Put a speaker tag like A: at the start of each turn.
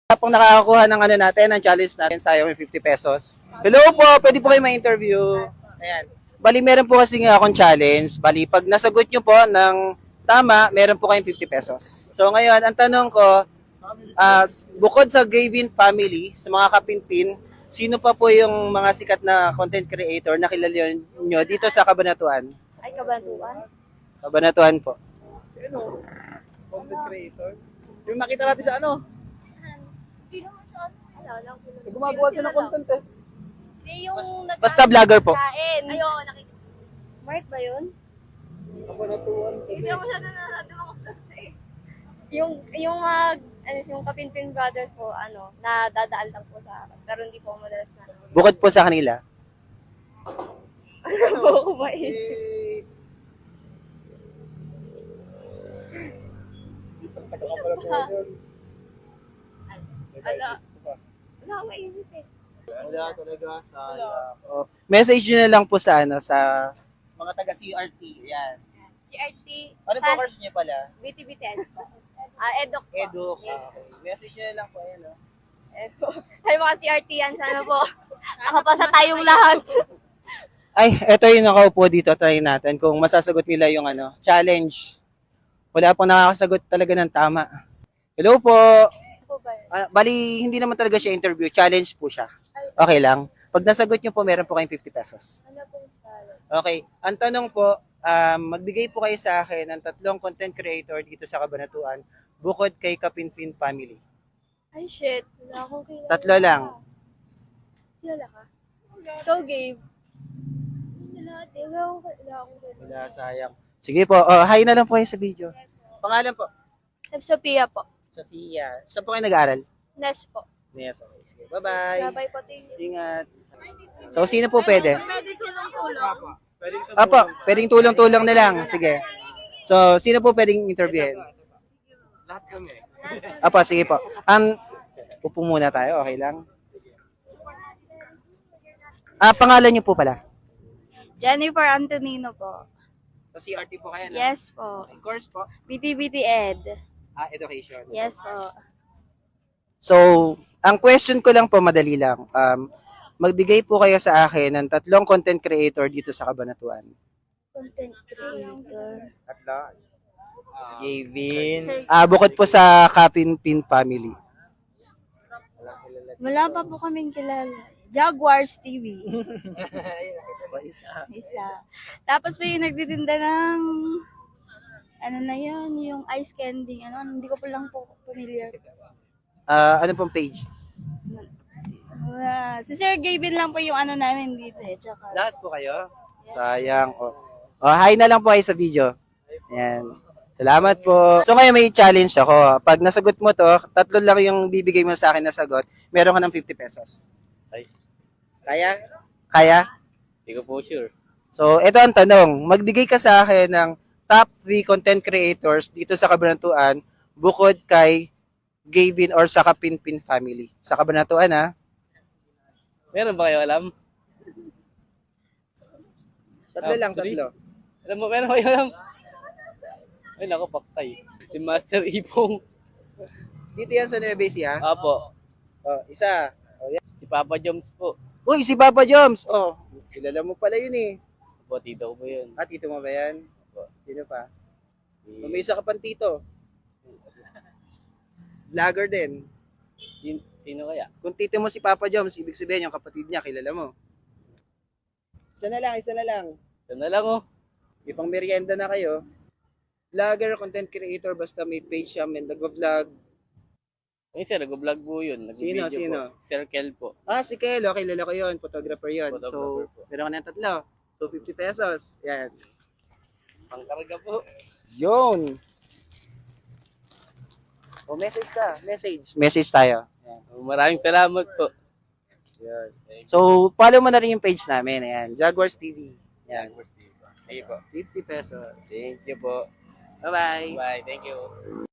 A: Pang nakakakuha ng ano natin, ng challenge natin, sayang yung 50 pesos. Hello po, pwede po kayo ma-interview. Ayan. Bali, meron po kasi nga akong challenge. Bali, pag nasagot nyo po ng tama, meron po kayong 50 pesos. So ngayon, ang tanong ko, bukod sa Gavin family, sa mga kapinpin, sino pa po yung mga sikat na content creator na kilala nyo dito sa Cabanatuan?
B: Ay, Kabanatuan?
A: Cabanatuan po. Ano? Content creator? Yung nakita natin sa ano?
B: Hindi naman siya ano.
A: Gumagawa siya ng content eh.
B: Hindi yung
A: Basta vlogger po.
B: Kain. Ay, oo, nakita. Mark ba yun?
A: Cabanatuan.
B: Hindi ako siya nanonood ng mga vlogs eh. Yung Kapinpin Brothers po, nadadaal lang po sa akin. Pero hindi po ako madalas na.
A: Bukod po sa kanila.
B: Ano po ako maisip? Wala. Wala ako maisip eh.
A: Wala talaga sa message nyo na lang po sa sa mga taga CRT. Yan.
B: CRT.
A: Ano po course nyo pala?
B: BTB10 po. Edok po.
A: Eduk. Okay. Message nyo na lang po yan.
B: Ay, mga CRT yan. Sana po. Nakapasa tayong lahat.
A: Ay, eto yung nakaupo dito. Try natin kung masasagot nila yung challenge. Wala pong nakakasagot talaga ng tama. Hello po. Bali, hindi naman talaga siya interview. Challenge po siya. Okay lang. Pag nasagot nyo po, meron po kayong 50 pesos.
B: Ano po yung challenge?
A: Okay. Ang tanong po, magbigay po kayo sa akin ng 3 content creator dito sa Cabanatuan bukod kay Kapinpin family.
B: Ay, shit. Wala akong kilala.
A: 3 lang.
B: Kilala ka? Ikaw, Gabe. Wala akong kilala.
A: Wala, sayang. Sige po. Hi na lang po kayo sa video. Pangalan po?
B: Sophia po.
A: Sophia. Saan po kayo nag-aaral?
B: Nes po.
A: Yes, okay. Sige. Bye-bye.
B: Bye-bye po. Thank you.
A: Ingat. So, sino po pwede?
B: Pwede tulong-tulong.
A: Apo, pwedeng tulong-tulong na lang. Sige. So, sino po pwedeng interviewin?
C: Lahat kami.
A: Apo, sige po. Upo muna tayo. Okay lang. Pangalan niyo po pala?
D: Jennifer Antonino po.
A: Sa CRT po kayo, no?
D: Yes po.
A: Okay, course po?
D: BTBT Ed.
A: Education.
D: Yes po.
A: So, ang question ko lang po, madali lang. Magbigay po kayo sa akin ng 3 content creator dito sa Cabanatuan.
D: Content creator.
A: 3? Gavin. Bukod po sa Kapinpin family.
D: Wala pa po kaming kilala. Jaguars TV. Isa. Tapos po yung nagtitinda ng ano na yun, yung ice candy. Hindi ko pa lang po familiar.
A: Ano pong page?
D: Si Sir Gavin lang po yung namin dito eh. Tsaka,
A: Lahat po kayo? Sayang. Hi na lang po kayo sa video. Ayan. Salamat po. So ngayon may challenge ako. Pag nasagot mo to, 3 lang yung bibigay mo sa akin na sagot, meron ka ng 50 pesos.
C: Ay.
A: Kaya? Kaya?
C: Hindi ko po sure.
A: So ito ang tanong. Magbigay ka sa akin ng top 3 content creators dito sa Cabanatuan bukod kay Gavin or sa Kapinpin family. Sa Cabanatuan ha?
C: Meron ba kayo alam?
A: 3 lang, 3.
C: Alam mo, meron ba kayo alam? Ay, naku, paktay. Si Master Ipong.
A: Dito yan sa Nueva Ecija?
C: Apo.
A: Isa.
C: Si Papa Joms po.
A: Uy, si Papa Joms. Kilala mo pala yun eh.
C: Apo, tito ko po yun.
A: Tito mo ba yan? Sino pa?
C: Si,
A: May isa ka pang tito. Vlogger din.
C: sino kaya?
A: Kung tito mo si Papa Joms, ibig sabihin yung kapatid niya, kilala mo. Isa na lang.
C: Ito na lang oh.
A: Ipang merienda na kayo. Vlogger, content creator, basta may page siya, may nag-vlog.
C: Ay, sir, nag-vlog po yun. Nag-video
A: Sino?
C: po. Circle po.
A: Si Kelo, kilala ko yun, photographer yun.
C: Photographer
A: So,
C: po.
A: meron ka ng 3. So, 50 pesos. Yan.
C: Pangkarga po.
A: Yun. Message ka. Message tayo. Yan.
C: Maraming salamat po.
A: Yan. So, follow mo na rin yung page namin. Ayan, Jaguars TV. Yan.
C: Sige po.
A: 50 pesos.
C: Thank you po.
A: Bye-bye.
C: Bye. Thank you.